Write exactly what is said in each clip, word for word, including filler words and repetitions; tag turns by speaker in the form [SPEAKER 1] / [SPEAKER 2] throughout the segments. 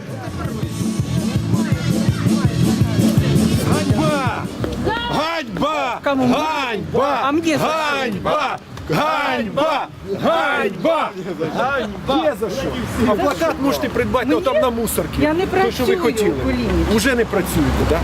[SPEAKER 1] Ганьба! Ганьба! Ганьба!
[SPEAKER 2] А мне за что?
[SPEAKER 1] Ганьба! Ганьба! Ганьба! Ганьба! Є за що? А плакат можете придбати ну, там на мусорці.
[SPEAKER 2] Я не
[SPEAKER 1] Те, що ви
[SPEAKER 2] працюю
[SPEAKER 1] хотіли.
[SPEAKER 2] у Кулінічі.
[SPEAKER 1] Уже не працюєте, так?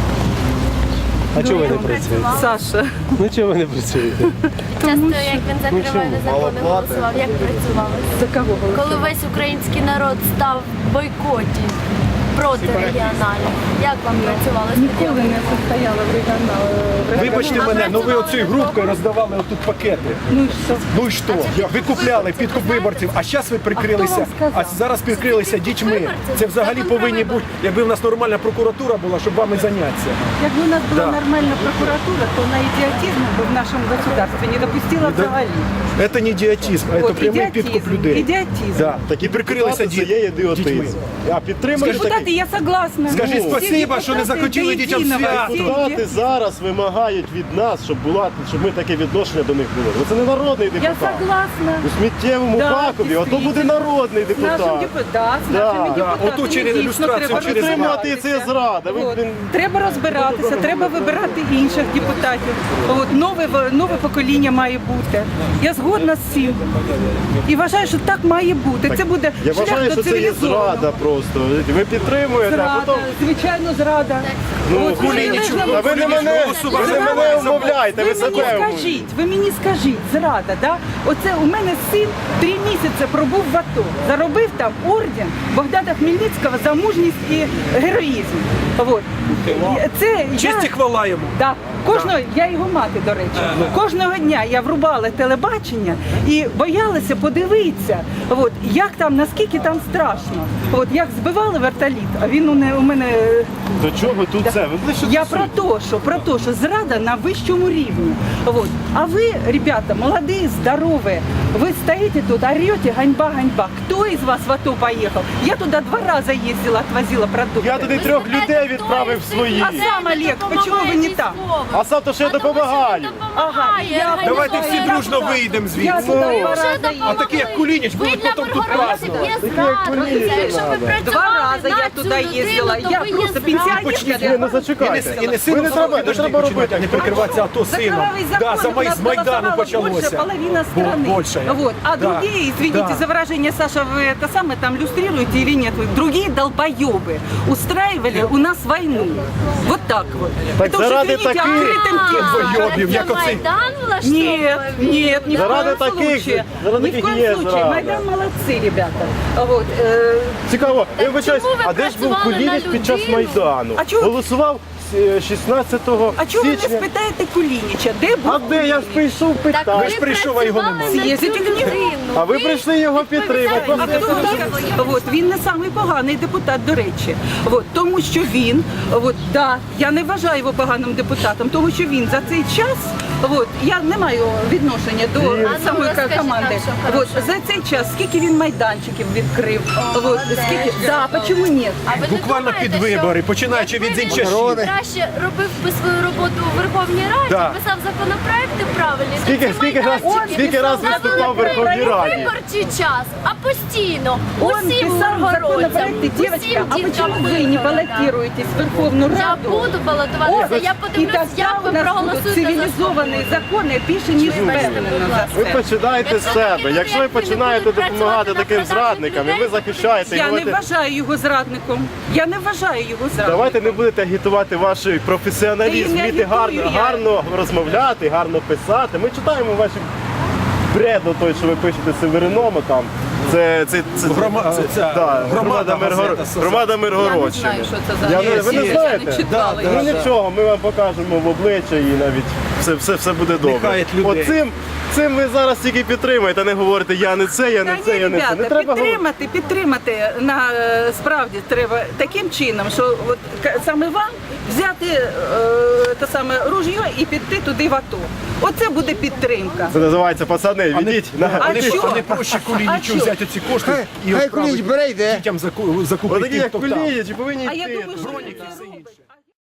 [SPEAKER 3] А чого ви не працюєте?
[SPEAKER 2] Саша.
[SPEAKER 3] Ну чого ви не працюєте?
[SPEAKER 4] Часто, як він за тривалі закони голосував, як працювали?
[SPEAKER 2] За кого голосували?
[SPEAKER 4] Коли весь український народ став в бойкоті проти регіоналів, як вам працювалося?
[SPEAKER 2] Ніколи не состояла в регіоналі.
[SPEAKER 1] Вибачте мене, ну ви оцією групкою роздавали отут пакети.
[SPEAKER 2] Ну і що?
[SPEAKER 1] Ну і що? Ви купляли підкуп виборців, а зараз ви прикрилися, а зараз прикрилися дітьми. Це взагалі повинні бути, якби в нас нормальна прокуратура була, щоб вами зайнятися.
[SPEAKER 2] Якби у нас була
[SPEAKER 1] Да.
[SPEAKER 2] нормальна прокуратура, то на ідіотизм би в нашому государстві не допустила
[SPEAKER 1] Да.
[SPEAKER 2] взагалі.
[SPEAKER 1] Це не ідіотизм, а це
[SPEAKER 2] От,
[SPEAKER 1] прямий
[SPEAKER 2] ідіотизм,
[SPEAKER 1] підкуп людей.
[SPEAKER 2] ідіотизм.
[SPEAKER 1] Да. Так і прикрилися
[SPEAKER 3] Це є
[SPEAKER 1] діт- дітьми.
[SPEAKER 3] ідіотизм. А підтримуєш
[SPEAKER 2] Депутати,
[SPEAKER 3] такий?
[SPEAKER 2] я согласна.
[SPEAKER 1] Скажіть
[SPEAKER 2] Всі
[SPEAKER 1] спасибо, що не
[SPEAKER 2] депутати
[SPEAKER 1] захотіли
[SPEAKER 2] до
[SPEAKER 1] дітям
[SPEAKER 2] єдиного,
[SPEAKER 1] свято.
[SPEAKER 2] всі
[SPEAKER 3] Депутати
[SPEAKER 2] є-
[SPEAKER 3] зараз вимагають від нас, щоб була, щоб ми таке відношення до них було. Ну, це не народний
[SPEAKER 2] Я
[SPEAKER 3] депутат.
[SPEAKER 2] согласна.
[SPEAKER 3] У сміттєвому
[SPEAKER 2] Да,
[SPEAKER 3] бакові, ото буде
[SPEAKER 2] дійсно.
[SPEAKER 3] народний
[SPEAKER 2] З нашим
[SPEAKER 3] депутат.
[SPEAKER 2] депутатом, з
[SPEAKER 3] Да.
[SPEAKER 2] нашими
[SPEAKER 3] Да.
[SPEAKER 2] депутатами
[SPEAKER 1] Отут через
[SPEAKER 2] дійсно
[SPEAKER 1] ілюстрацію,
[SPEAKER 2] треба
[SPEAKER 1] через
[SPEAKER 3] Підтримувати
[SPEAKER 2] розбиратися.
[SPEAKER 3] це зрада. Ви,
[SPEAKER 2] От.
[SPEAKER 3] блін,
[SPEAKER 2] Треба розбиратися, треба вибирати інших депутатів. От, нове, нове покоління має бути. Я згодна з цим. І вважаю, що так має бути. Це буде
[SPEAKER 3] Я
[SPEAKER 2] шлях
[SPEAKER 3] вважаю,
[SPEAKER 2] до
[SPEAKER 3] що це є
[SPEAKER 2] цивілізованого.
[SPEAKER 3] зрада просто. Ви підтримуєте, а
[SPEAKER 2] Зрада,
[SPEAKER 3] потім...
[SPEAKER 2] звичайно, зрада.
[SPEAKER 3] Ну,
[SPEAKER 2] От,
[SPEAKER 1] Кулінічу,
[SPEAKER 2] ви-
[SPEAKER 3] Та ви не мене, ви не мене умовляєте, ви
[SPEAKER 2] Ви мені
[SPEAKER 3] себе умовляєте.
[SPEAKER 2] скажіть, ви мені скажіть, зрада, да? Оце у мене син три місяці пробув в АТО, заробив там орден Богдана Хмельницького за мужність і героїзм. От. Це
[SPEAKER 1] Честь і
[SPEAKER 2] я,
[SPEAKER 1] хвала йому.
[SPEAKER 2] да, кожного, я його мати, до речі, кожного дня я врубала телебачення і боялася подивитися, от, як там, наскільки там страшно. От, як збивали вертоліт, а він у, не, у мене
[SPEAKER 3] До чого тут це? Ви ближче
[SPEAKER 2] я
[SPEAKER 3] до
[SPEAKER 2] про
[SPEAKER 3] суті.
[SPEAKER 2] то, що про то, що зрада на вищому рівні. Вот. А ви, ребята, молодые, здоровые, вы стоите тут, орете, ганьба, ганьба. Кто из вас в АТО поехал? Я туда два раза ездила, отвозила продукты.
[SPEAKER 3] Я туди трьох людей відправив свої.
[SPEAKER 2] А сам, Олег, почему вы не там?
[SPEAKER 3] А сам то, що я допомагаю.
[SPEAKER 2] Ага, я
[SPEAKER 1] Давайте всі
[SPEAKER 2] Я
[SPEAKER 1] дружно
[SPEAKER 2] туди-
[SPEAKER 1] вийдемо
[SPEAKER 2] Я
[SPEAKER 1] звідси.
[SPEAKER 2] туда
[SPEAKER 3] Ну.
[SPEAKER 2] два раза
[SPEAKER 4] Вже
[SPEAKER 2] ездила.
[SPEAKER 1] А такі, як Кулініч,
[SPEAKER 4] Ви
[SPEAKER 1] будуть
[SPEAKER 4] для
[SPEAKER 1] потім тут
[SPEAKER 4] Миргородців
[SPEAKER 1] празднувати.
[SPEAKER 4] є зрадниця. Якщо ви
[SPEAKER 2] Два
[SPEAKER 4] працювали
[SPEAKER 2] рази я
[SPEAKER 4] на
[SPEAKER 2] туди
[SPEAKER 4] цю людину,
[SPEAKER 2] їздила.
[SPEAKER 4] то
[SPEAKER 2] Я
[SPEAKER 4] ви є
[SPEAKER 2] просто
[SPEAKER 4] зрадниця.
[SPEAKER 2] пенсіонерка.
[SPEAKER 3] Ні, ну зачекайте.
[SPEAKER 1] І не
[SPEAKER 3] Ви
[SPEAKER 1] сильно
[SPEAKER 3] не треба, не треба робити.
[SPEAKER 1] не прикриватися АТО
[SPEAKER 2] За
[SPEAKER 1] сином.
[SPEAKER 2] кровавый закон
[SPEAKER 1] Да, за
[SPEAKER 2] у
[SPEAKER 1] май-
[SPEAKER 2] нас
[SPEAKER 1] з Майдану
[SPEAKER 2] голосовало больше
[SPEAKER 1] почалося.
[SPEAKER 2] половина страны.
[SPEAKER 1] Больше.
[SPEAKER 2] Вот. А
[SPEAKER 1] Да.
[SPEAKER 2] другие, извините
[SPEAKER 1] Да.
[SPEAKER 2] за выражение, Саша, вы это самое там иллюстрируете или нет? Вы другие долбоебы устраивали у нас войну. Вот так вот.
[SPEAKER 3] Так
[SPEAKER 2] это уже,
[SPEAKER 3] заради
[SPEAKER 2] извините,
[SPEAKER 3] таких-
[SPEAKER 2] открытым текстом.
[SPEAKER 1] Долбойобів, як
[SPEAKER 4] Це
[SPEAKER 1] оцей.
[SPEAKER 4] Майдан
[SPEAKER 2] Нет,
[SPEAKER 4] влаштовує?
[SPEAKER 2] нет, ни в
[SPEAKER 3] Заради
[SPEAKER 2] коем
[SPEAKER 3] таких-
[SPEAKER 2] случае.
[SPEAKER 3] заради
[SPEAKER 2] Ни в
[SPEAKER 3] таких
[SPEAKER 2] коем
[SPEAKER 3] є
[SPEAKER 2] случае.
[SPEAKER 3] зрада.
[SPEAKER 2] Майдан молодцы, ребята. Вот. э,
[SPEAKER 3] Цікаво, я вибачаюсь,
[SPEAKER 4] чому ви
[SPEAKER 3] а де ж був
[SPEAKER 4] працювали
[SPEAKER 3] Кулініч
[SPEAKER 4] на
[SPEAKER 3] під час
[SPEAKER 4] людину?
[SPEAKER 3] Майдану?
[SPEAKER 2] А чого-
[SPEAKER 3] Голосував е, шістнадцятого
[SPEAKER 2] А чого ви не
[SPEAKER 3] січня.
[SPEAKER 2] спитаєте Кулініча? Де був
[SPEAKER 3] А де я ж прийшов
[SPEAKER 4] Так
[SPEAKER 3] питати?
[SPEAKER 4] ви
[SPEAKER 1] ж прийшов, а його
[SPEAKER 4] працювали
[SPEAKER 1] нема.
[SPEAKER 4] на цю
[SPEAKER 2] З'їздіть к нему.
[SPEAKER 4] людину.
[SPEAKER 3] А ви прийшли його підтримати.
[SPEAKER 2] А
[SPEAKER 3] Просто
[SPEAKER 2] хто так? От, він не самий поганий депутат, до речі. От, тому що він, от, да, я не вважаю його поганим депутатом, тому що він за цей час, от, я не маю відношення до
[SPEAKER 3] Він-
[SPEAKER 2] самої
[SPEAKER 4] А ну, розкажіть
[SPEAKER 2] команди.
[SPEAKER 4] нам, що
[SPEAKER 2] От,
[SPEAKER 4] хорошого.
[SPEAKER 2] за цей час, скільки він майданчиків відкрив, от,
[SPEAKER 4] молодець.
[SPEAKER 2] скільки, да, чому ні?
[SPEAKER 4] А ви не
[SPEAKER 1] Буквально
[SPEAKER 4] думаєте,
[SPEAKER 1] під вибори,
[SPEAKER 4] що
[SPEAKER 1] починаючи
[SPEAKER 4] якби
[SPEAKER 1] від
[SPEAKER 4] він
[SPEAKER 1] Зінчашів.
[SPEAKER 4] краще робив би свою роботу у Верховній Раді,
[SPEAKER 1] Да.
[SPEAKER 4] писав законопроекти правильні, то
[SPEAKER 3] Скільки,
[SPEAKER 4] ці
[SPEAKER 3] скільки раз,
[SPEAKER 4] майданчики
[SPEAKER 3] скільки раз
[SPEAKER 4] не
[SPEAKER 3] виступав в
[SPEAKER 4] були
[SPEAKER 3] Верховній
[SPEAKER 4] не
[SPEAKER 3] Раді?
[SPEAKER 4] виборчий час, а постійно.
[SPEAKER 2] Он
[SPEAKER 4] Усім
[SPEAKER 2] писал
[SPEAKER 4] горгородцям,
[SPEAKER 2] законопроекты, девочка, а
[SPEAKER 4] усім
[SPEAKER 2] почему
[SPEAKER 4] діткам
[SPEAKER 2] вы не
[SPEAKER 4] вибори, да.
[SPEAKER 2] баллотируетесь в Верховную
[SPEAKER 4] Я
[SPEAKER 2] Раду?
[SPEAKER 4] буду балотуватися, я
[SPEAKER 2] І
[SPEAKER 4] подивлюсь,
[SPEAKER 2] тоді
[SPEAKER 4] як
[SPEAKER 2] у
[SPEAKER 4] ви
[SPEAKER 2] нас будуть
[SPEAKER 4] проголосуєте за
[SPEAKER 2] цивілізовані закони більше, ніж
[SPEAKER 4] Вибачте,
[SPEAKER 2] впевнено
[SPEAKER 4] будь
[SPEAKER 2] за
[SPEAKER 4] ласка.
[SPEAKER 3] Ви
[SPEAKER 2] все.
[SPEAKER 3] починаєте з
[SPEAKER 4] Якщо
[SPEAKER 3] себе.
[SPEAKER 4] такі
[SPEAKER 3] Якщо ви
[SPEAKER 4] люди, які не
[SPEAKER 3] починаєте
[SPEAKER 4] будуть
[SPEAKER 3] допомагати
[SPEAKER 4] працювати
[SPEAKER 3] таким
[SPEAKER 4] на продажних
[SPEAKER 3] зрадникам, і ви
[SPEAKER 4] людей,
[SPEAKER 3] захищаєте і
[SPEAKER 2] Я не
[SPEAKER 3] говорите,
[SPEAKER 2] вважаю його зрадником. Я не вважаю його зрадником.
[SPEAKER 3] давайте не будете агітувати ваш професіоналізм,
[SPEAKER 2] Та я не
[SPEAKER 3] вміти гарно,
[SPEAKER 2] агітую, я-
[SPEAKER 3] гарно розмовляти, гарно писати. Ми читаємо ваші бреду, той, що ви пишете Севериному там. Це, це, це,
[SPEAKER 1] Грома-
[SPEAKER 3] це,
[SPEAKER 1] ця
[SPEAKER 3] да,
[SPEAKER 1] громада
[SPEAKER 3] Миргоро-
[SPEAKER 1] газета,
[SPEAKER 3] громада
[SPEAKER 2] Я не
[SPEAKER 3] Миргородщини.
[SPEAKER 2] знаю, що це за
[SPEAKER 3] Я не- ви не
[SPEAKER 2] є,
[SPEAKER 3] знаєте?
[SPEAKER 2] Я не читала.
[SPEAKER 1] Да,
[SPEAKER 2] його.
[SPEAKER 3] Ну нічого, ми вам покажемо в обличчя і навіть все, все, все буде добре.
[SPEAKER 1] Нехай людей.
[SPEAKER 3] Оцим цим ви зараз тільки підтримуєте, а не говорите, я не це, я не
[SPEAKER 2] Та
[SPEAKER 3] це,
[SPEAKER 2] ні,
[SPEAKER 3] я не це. Не
[SPEAKER 2] ребята,
[SPEAKER 3] треба говорити.
[SPEAKER 2] підтримати, підтримати на е, справді треба таким чином, що от к- саме вам взяти е, те саме ружьо і піти туди в АТО. Оце буде підтримка.
[SPEAKER 3] Це називається пацани,
[SPEAKER 1] А не,
[SPEAKER 3] відіть. на-
[SPEAKER 1] а не,
[SPEAKER 2] що?
[SPEAKER 1] а не проще
[SPEAKER 2] А
[SPEAKER 1] Кулінічу
[SPEAKER 2] що?
[SPEAKER 1] взяти ці кошти і
[SPEAKER 5] Хай
[SPEAKER 1] відправити
[SPEAKER 5] Кулініч бере, йде.
[SPEAKER 1] дітям заку- закупити
[SPEAKER 3] Отакі, як
[SPEAKER 1] хто там.
[SPEAKER 3] Кулінічі, повинні
[SPEAKER 2] А я
[SPEAKER 3] йти.
[SPEAKER 2] думаю, що
[SPEAKER 1] Броніки і все інше.